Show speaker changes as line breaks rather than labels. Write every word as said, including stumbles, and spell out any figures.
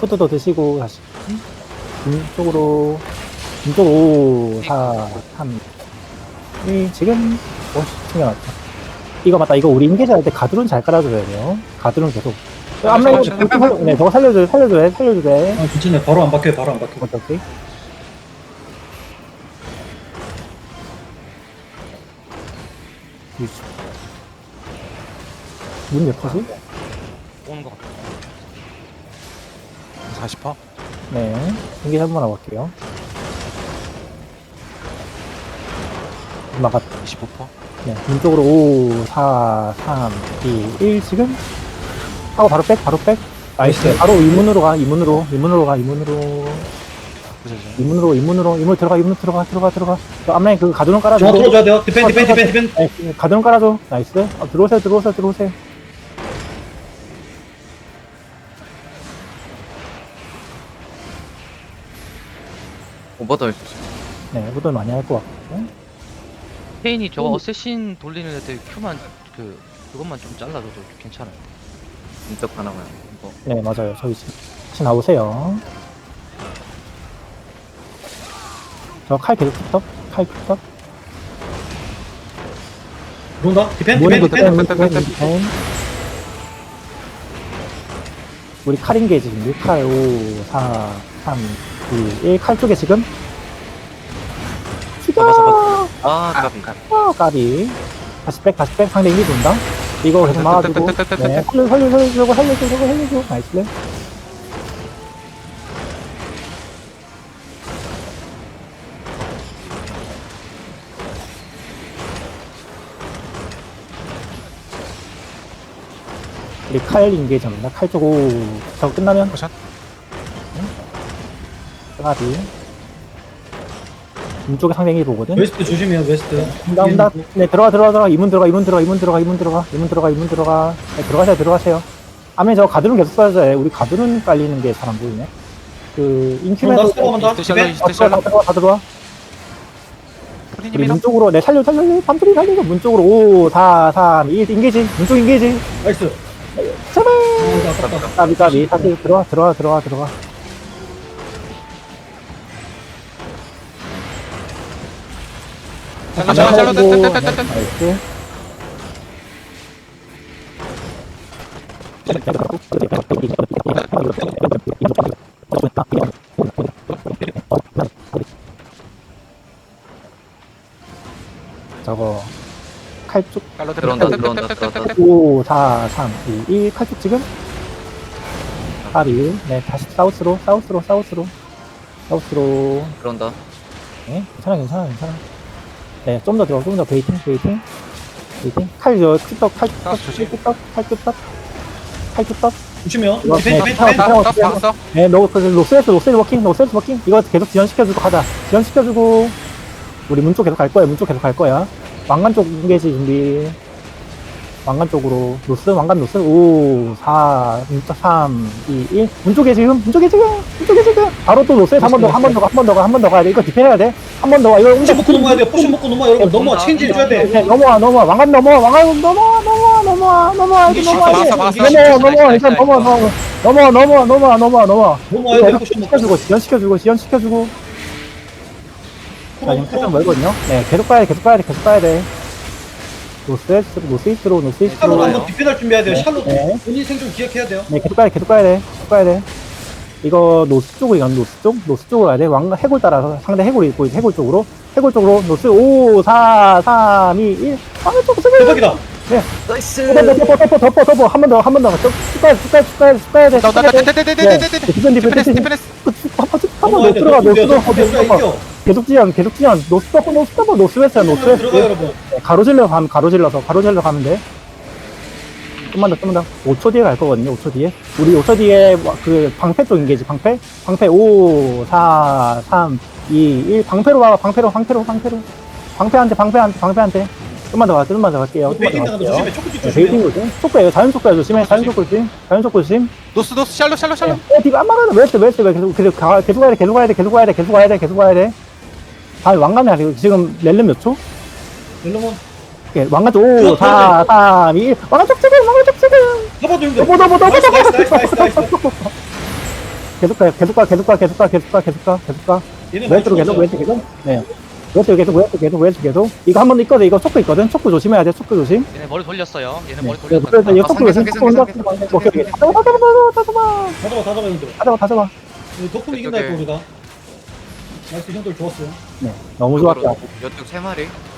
푸드도 드시고 다시 왼쪽으로 왼쪽 오, 사, 삼, 일 지금 오, 챙겨놨다. 이거 맞다. 이거 우리 인계자 할 때 가드론 잘 깔아줘야 돼요. 가드론 계속. 앞라인 네, 저거 살려줘야 살려줘야 살려줘야 돼.
아 괜찮아요. 바로 안 박혀요. 바로 안 박혀.
오케이 오케이. 문 몇 퍼지?
오는 것 같아.
사십 퍼센트?
네. 인계자 한번 와볼게요. 막았다.
이십오 퍼센트?
네, 왼쪽으로 오, 사, 삼, 이, 일 지금 하고 바로 백, 바로 백. 나이스. 바로 이문으로 가, 이문으로, 이문으로 가, 이문으로,
그죠?
이문으로, 이문으로, 이문으로 들어가, 이문으로 들어가, 들어가, 들어가. 저 앞라인 그 가드론 깔아줘.
저 들어줘야 돼요. 디펜 디펜 디펜 디펜.
네, 가드론 깔아줘. 나이스. 어, 들어오세요, 들어오세요, 들어오세요.
오버더
네, 후들 많이 할 것 같고.
페인이 저거
음.
어쌔신 돌리는 애들 큐만 그 그것만 좀 잘라줘도 괜찮아요.
인적 하나만 이거
네, 맞아요. 저희 지금 다시 나오세요. 저 칼 계속 툭떡, 칼 툭떡.
들어온다. 디펜 디펜
모닝도
디펜.
디펜, 디펜, 디펜. 우리 칼인 게지 지금 칼 오, 사, 삼, 이, 일 칼 쪽에 지금 죽여!
잡아, 잡아. 아 까비
어, 까비. 다시 백, 다시 백. 상대 인기 돈다. 이거 계속 막아주고. 네, 살려, 살려, 살려주고, 살려주고, 살려주고. 나이스. 우리 칼 인게 잡는다. 칼 쪽 오. 저거 끝나면
포션?
까비. 왼쪽에 상대이 보거든.
웨스트 조심해요. 웨스트.
온다 온다. 네 들어가 들어가 들어가. 이문 들어가 이문 들어가 이문 들어가 이문 들어가 이문 들어가 이문 들어가. 네, 들어가세요 들어가세요. 아멘 저 가드론 계속 써야죠. 해. 우리 가드론 깔리는 게 잘 안 보이네. 그 인큐메이터.
들어온다. 들어간다.
이스트 샬로
디펜.
이스트
다 들어와 다
샬로
들어와 다 들어와. 우리
프리님이랑
문 쪽으로 네 살려 살려 살려. 밤들이 살리고 문 쪽으로 오, 사, 삼, 이 인게지. 문 쪽 인게지.
나이스.
제발.
아, 아깝다.
까비 까비. 다시 들어와 들어와 들어와 들어와.
샬로 샬로 샬로
네,
떼떼떼떼떼
나이스. 저거 칼쪽
샬로
들어온다 들어온다
떼떼떼떼떼떼
들어온다
오, 사, 삼, 이, 일 칼쪽 지금 까비. 네 다시 사우스로 사우스로 사우스로 사우스로.
들어온다
네 괜찮아 괜찮아 괜찮아. 네 좀 더 들어 좀 더 베이팅 베이팅 베이팅. 칼저 큐떡 칼 큐떡
사우스 조심.
큐떡 칼 큐떡 칼 큐떡.
조심해요.
이거
디펜
네,
디펜
타워,
디펜.
타워.
딱 박았어?
네, 너, 그, 로스레스, 로스레스 워킹, 로스레스 워킹. 이거 계속 지연시켜주고 가자. 지연시켜주고. 우리 문 쪽 계속 갈 거야, 문 쪽 계속 갈 거야. 왕관 쪽 인게지 준비. 왕관 쪽으로. 노스, 왕관 노스. 오, 사, 삼, 이, 일. 문 쪽에 지금, 문 쪽에 지금, 문 쪽에 지금. 바로 또 노스레스 한 번 더, 한 번 더, 가, 한 번 더 가, 한 번 더 가야 돼. 이거 디펜해야 돼. 한 번 더 가. 이거
포션 먹고 넘어야 돼요. 포션 먹고 넘어 여러분. 넘어. 체인지 해줘야 돼.
네, 넘어와, 넘어와. 왕관 넘어와, 왕관 넘어와, 넘어와, 넘어와, 넘어와. 이제 넘어와야 돼.
막았어, 막았어.
넘어와, 넘어와,
나이스,
일단
나이스,
넘어와, 넘어와, 넘어와, 넘어와, 넘어와, 넘어와, 넘어와.
넘어와야
이거
돼.
이렇게
포션 먹고.
시켜주고, 지연시켜주고, 지연시켜주고. 자, 지금 살짝 멀거든요? 네, 계속 가야 돼, 계속 가야 돼, 계속 가야 돼. 노스웨스트, 노스이스트로,
샬롯
노스이스트로.
한번 디펜할 준비해야 돼요.
네.
샬롯.
네.
본인 생존 기억해야 돼요.
네, 계속 가야 돼, 계속 가야 돼, 계속 가야 돼. 이거 노스 쪽으로 가면 노스 쪽? 노스 쪽으로 가야 돼. 왕, 해골 따라서 상대 해골이 있고, 해골 쪽으로. 해골 쪽으로, 노스 오, 사, 삼, 이, 일. 왕을 쪽 쓰고.
대박이다.
나이스
덮어, 덮어, 덮어, 덮어. 한 번 더, 한 번 더. 쭉 가야 돼, 쭉 가야 돼, 쭉 가야 돼, 쭉 가야 돼.
나, 나, 나,
네.
떼떼떼떼떼떼떼
디펜, 디펜,
디펜스
디펜.
디펜스
한번 더 들어가, 노스 들어가, 노스 들어가.
이겨.
계속 지연, 계속 지연. 노스 덮어, 노스 덮어, 노스 웨스트야, 노스 웨스트.
들어가 여러분.
네, 가로질러 가면 가로질러서 가로질러 가면 돼. 좀만 더 좀만 더 오 초 뒤에 갈 거거든요. 오 초 뒤에 우리 오 초 뒤에 그 방패 쪽 인게지. 방패 방패 오, 사, 삼, 이, 일. 방패로 와. 방패로 방패로 방패로 방패한테 방패한테 방패한테 좀만 더 가. 좀만 더 갈게요. 좀만 더
베이팅 당하면
갈게요.
조심해. 초코집
네,
조심해.
베이팅 조심. 속도예요. 자연 속도야 조심해. 자연 속도 조심. 자연 속도 조심.
노스 노스 샬로 샬로 샬로
어, 디가 안 막아도 웨스트 웨스트 왜 계속 계속 가 계속 가야 돼. 계속 가야 돼. 계속 가야 돼. 계속 가야 돼. 계속 가야 돼. 아 왕관이 아니고 지금 렐름 몇 초?
렐로몬.
예, 왕관 쪽 오, 사, 삼, 이, 일. 왕관 쪽 지금 왕관 쪽 지금.
잡아도 힘들어.
너보 너보 너보
나이스,
너보
나이스, 나이스, 나이스, 나이스.
계속 가, 계속 가, 계속 가, 계속 가, 계속 가, 계속 가, 계속 가.
얘네 많이
왼쪽으로 계속,
죽었어요.
왼쪽 계속. 네. 왼쪽 계속, 왼쪽 계속, 왼쪽 계속. 이거 한 번 있거든. 이거 초크 있거든. 초크 조심해야 돼. 초크 조심.
얘네 머리 돌렸어요. 얘네
네.
머리
그래서
돌렸다.
이거
아,
초크
상계,
조심.
상계,
초크 온다.
상계,
오케이,
상계,
오케이.
상계.
다 잡아, 다 잡아, 다 잡아.
다 잡아 다 잡아 형들.
다 잡아, 다 잡아.
덕분 이긴다
이쪽에.
했고 우리가. 나이스 형들 좋았어요.
네. 너무 좋았다.
이쪽 세 마리.